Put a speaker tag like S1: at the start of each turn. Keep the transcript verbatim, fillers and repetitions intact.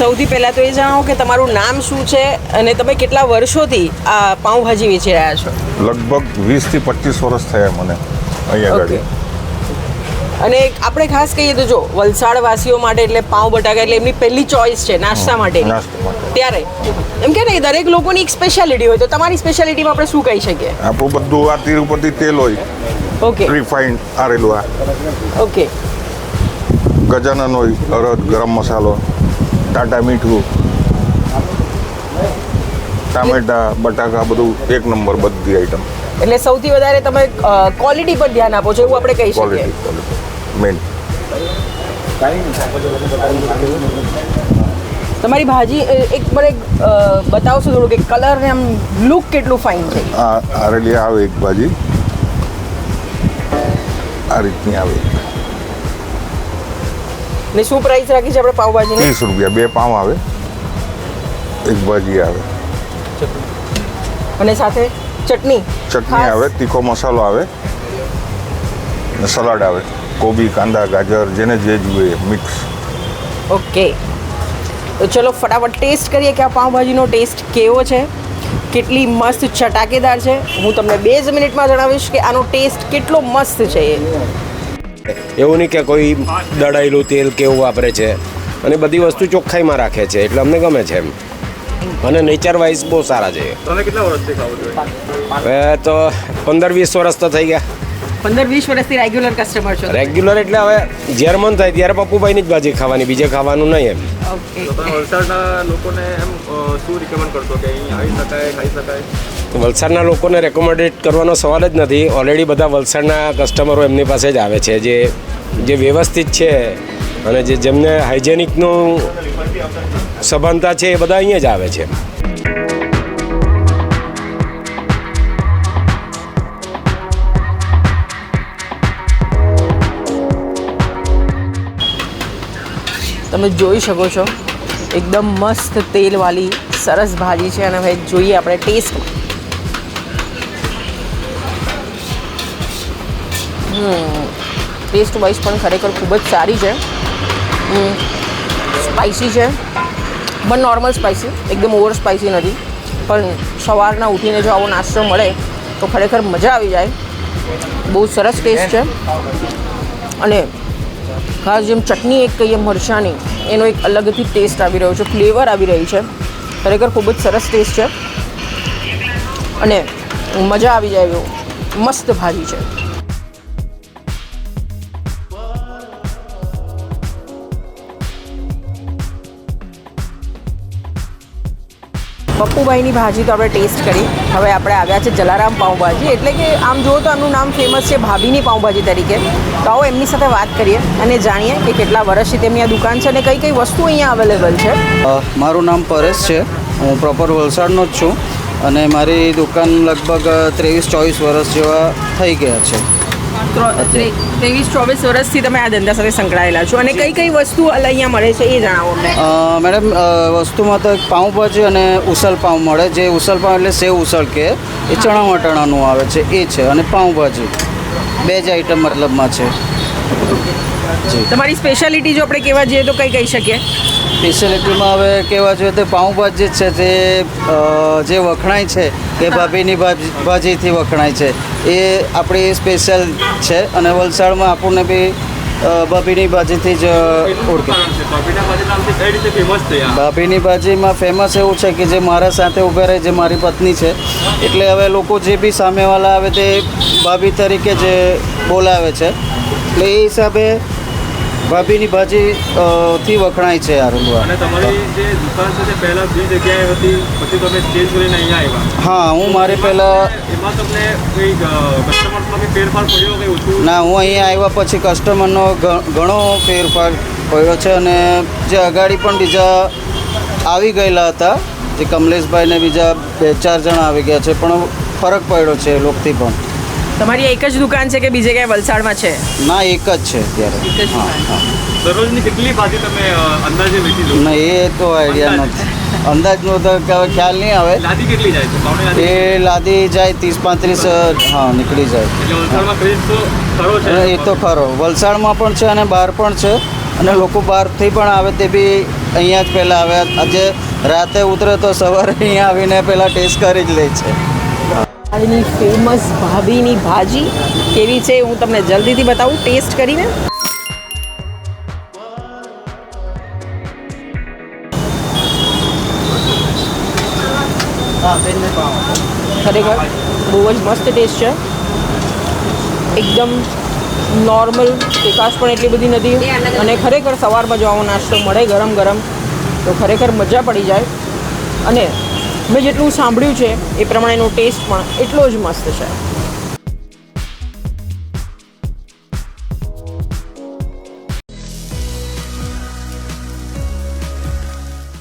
S1: સૌથી પહેલાં તો એ જણાવો કે તમારું નામ શું છે અને તમે કેટલા વર્ષોથી આ પાઉંભાજી વેચી રહ્યા છો?
S2: લગભગ વીસથી પચીસ વર્ષ થયા મને અહીંયા આગળ.
S1: અને આપણે ખાસ કહીએ તો જો વલસાડ વાસીઓ માટે એટલે પાઉં બટાકા એટલે એમની પહેલી ચોઈસ છે નાસ્તા માટે. ત્યારે એમ કે ને દરેક લોકોની એક સ્પેશિયાલિટી હોય, તો તમારી સ્પેશિયાલિટીમાં આપણે શું કહી શકીએ?
S2: આપણું બધું આ તિરુપતિ તેલ હોય.
S1: ઓકે.
S2: રિફાઇન્ડ આરેલું આ.
S1: ઓકે.
S2: ગજાનન હોય, અરદ, ગરમ મસાલો, ટાટા મીઠું, ટામેટા, બટાકા, બધું એક નંબર બધી આઈટમ.
S1: એટલે સૌથી વધારે તમે ક્વોલિટી પર ધ્યાન આપો છો એવું આપણે કહી શકીએ.
S2: Quality man.
S1: તમારી ભાજી એક મને બતાવશો થોડું કે કલર ને આમ લુક કેટલું ફાઇન છે?
S2: આ આરેલી આવે એક ભાજી આ રીતની આવે.
S1: ને શું પ્રાઇસ રાખી છે આપણે પાવભાજીની?
S2: ત્રીસ રૂપિયા બે પાઉં આવે, એક ભાજી આવે
S1: અને સાથે ચટણી
S2: ચટણી આવે, તીખો મસાલો આવે ને સલાડ આવે, કોબી, કાંદા, ગાજર, જેને જે જોઈએ મિક્સ.
S1: ઓકે, તો ચલો ફટાફટ ટેસ્ટ કરીએ કે આ પાઉંભાજીનો ટેસ્ટ કેવો છે, કેટલી મસ્ત ચટાકેદાર છે. હું તમને બે જ મિનિટમાં જણાવીશ કે આનો ટેસ્ટ કેટલો મસ્ત છે.
S3: એવું નહીં કે કોઈ દળાયેલું તેલ કેવું વાપરે છે, અને બધી વસ્તુ ચોખ્ખાઈમાં રાખે છે, એટલે અમને ગમે છે એમ. અને નેચર વાઇઝ બહુ સારા છે.
S4: તમે કેટલા વર્ષથી ખાઓ છો?
S3: હવે તો પંદર વીસ વર્ષ તો થઈ ગયા.
S1: પંદર વીસ વર્ષથી રેગ્યુલર કસ્ટમર છો?
S3: રેગ્યુલર એટલે હવે જ્યારે મન થાય ત્યારે પપ્પુભાઈની જ ભાજી ખાવાની, બીજે ખાવાનું નહીં એમ.
S1: ઓકે.
S4: તો તમે વલસાડના લોકોને એમ શું રિકમેન્ડ કરશો કે અહીં આવી શકાય, ખાઈ શકાય?
S3: વલસાડના લોકોને રેકોમેન્ડેડ કરવાનો સવાલ જ નથી. ઓલરેડી બધા વલસાડના કસ્ટમરો એમની પાસે જ આવે છે, જે જે વ્યવસ્થિત છે અને જે જેમને હાઇજેનિકનું સભાનતા છે એ બધા અહીંયા જ આવે છે.
S1: તમે જોઈ શકો છો એકદમ મસ્ત તેલવાળી સરસ ભાજી છે. અને હવે જોઈએ આપણે ટેસ્ટ. હમ ટેસ્ટ વાઇઝ પણ ખરેખર ખૂબ જ સારી છે. સ્પાઇસી છે પણ નોર્મલ સ્પાઇસી, એકદમ ઓવર સ્પાઇસી નથી. પણ સવારના ઉઠીને જો આવો નાસ્તો મળે તો ખરેખર મજા આવી જાય. બહુ સરસ ટેસ્ટ છે. અને ખાસ જેમ ચટણી એક કહીએ મરચાંની, એનો એક અલગથી ટેસ્ટ આવી રહ્યો છે, ફ્લેવર આવી રહી છે. ખરેખર ખૂબ જ સરસ ટેસ્ટ છે અને મજા આવી જાય એવો મસ્ત ભાજી છે. પપ્પુભાઈની ભાજી તો આપણે ટેસ્ટ કરી. હવે આપણે આવ્યા છે જલારામ પાઉંભાજી, એટલે કે આમ જુઓ તો એમનું નામ ફેમસ છે ભાભીની પાઉંભાજી તરીકે. તો આવો એમની સાથે વાત કરીએ અને જાણીએ કે કેટલા વર્ષથી તેમની આ દુકાન છે અને કઈ કઈ વસ્તુ અહીંયા અવેલેબલ છે.
S5: મારું નામ પરેશ છે, હું પ્રોપર વલસાડનો જ છું અને મારી દુકાન લગભગ ત્રેવીસ ચોવીસ વર્ષ જેવા થઈ ગયા છે.
S1: ત્રેવીસ ચોવીસ વર્ષથી તમે આ ધંધા સાથે સંકળાયેલા છો અને કઈ કઈ વસ્તુ અહીંયા મળે છે એ જણાવો અમને.
S5: મેડમ, વસ્તુમાં તો એક પાઉંભાજી અને ઉસલ પાઉં મળે. જે ઉસલ પાઉં એટલે સેવ ઉસળ કે એ ચણા વટાણાનું આવે છે એ છે, અને પાઉંભાજી બે જ આઈટમ મતલબમાં છે.
S1: તમારી સ્પેશિયાલિટી જો આપણે કહેવા જઈએ તો કઈ કહી શકીએ?
S5: સ્પેશિયાલિટીમાં હવે કહેવા જોઈએ તો પાઉંભાજી જ છે તે જે વખણાય છે કે ભાભીની ભાજીથી વખણાય છે એ આપણી સ્પેશિયલ છે. અને વલસાડમાં આપણને બી ભાભીની ભાજીથી જ ઓળખે. ભાભીની ભાજીમાં ફેમસ એવું છે કે જે મારા સાથે ઊભા રહે, જે મારી પત્ની છે, એટલે હવે લોકો જે બી સામેવાળા આવે તે ભાભી તરીકે જ બોલાવે છે. એટલે એ હિસાબે ભાભીની ભાજી થી વખણાય છે આ રૂલવા.
S4: અને તમારી જે દુકાન છે તે પહેલા બીજી જગ્યાએ હતી, પછી તમે ચેન્જ કરીને અહીંયા આવ્યા?
S5: હા, હું મારે પહેલાં
S4: એમાં તમને કોઈ કસ્ટમરમાં કંઈ ફેરફાર પડ્યો કંઈ ઓછું?
S5: ના, હું અહીંયા આવ્યા પછી કસ્ટમરનો ઘણો ફેરફાર પડ્યો છે. અને જે અગાડી પણ બીજા આવી ગયેલા હતા, જે કમલેશભાઈ ને બીજા બે ચાર જણા આવી ગયા છે, પણ ફરક પડ્યો છે એ લોકોથી પણ.
S1: તમારી એક જ દુકાન છે કે બીજે ક્યાંય વલસાડમાં છે?
S5: ના, એક જ છે અત્યારે. હા હા.
S4: દરરોજની કેટલી ભાજી તમે અંદાજે વેચી લો?
S5: ના, એ તો આઈડિયા નથી, અંદાજનો તો હવે ખ્યાલ નહીં આવે.
S4: લાદી કેટલી જાય છે? પાવણી લાદી?
S5: એ લાદી જાય ત્રીસ પાંત્રીસ, હા, નીકળી જાય.
S4: એટલે વલસાડમાં ક્રેઝ તો ખરો છે?
S5: એ તો ખરો, વલસાડમાં પણ છે અને બહાર પણ છે. અને લોકો બહારથી પણ આવે તે બી અહીંયા જ પહેલાં આવે આજે રાતે ઉતરે તો સવારે અહીંયા આવીને પહેલાં ટેસ્ટ કરી જ લે છે.
S1: આની ફેમસ ભાભીની ભાજી કેવી છે હું તમને જલ્દીથી બતાવું ટેસ્ટ કરીને. ખરેખર બહુ જ મસ્ત ટેસ્ટ છે. એકદમ નોર્મલ, તીખાશ પણ એટલી બધી નથી અને ખરેખર સવારમાં જો આવો નાસ્તો મળે ગરમ ગરમ તો ખરેખર મજા પડી જાય. અને મેં જેટલું સાંભળ્યું છે એ પ્રમાણેનો ટેસ્ટ પણ એટલો જ મસ્ત છે.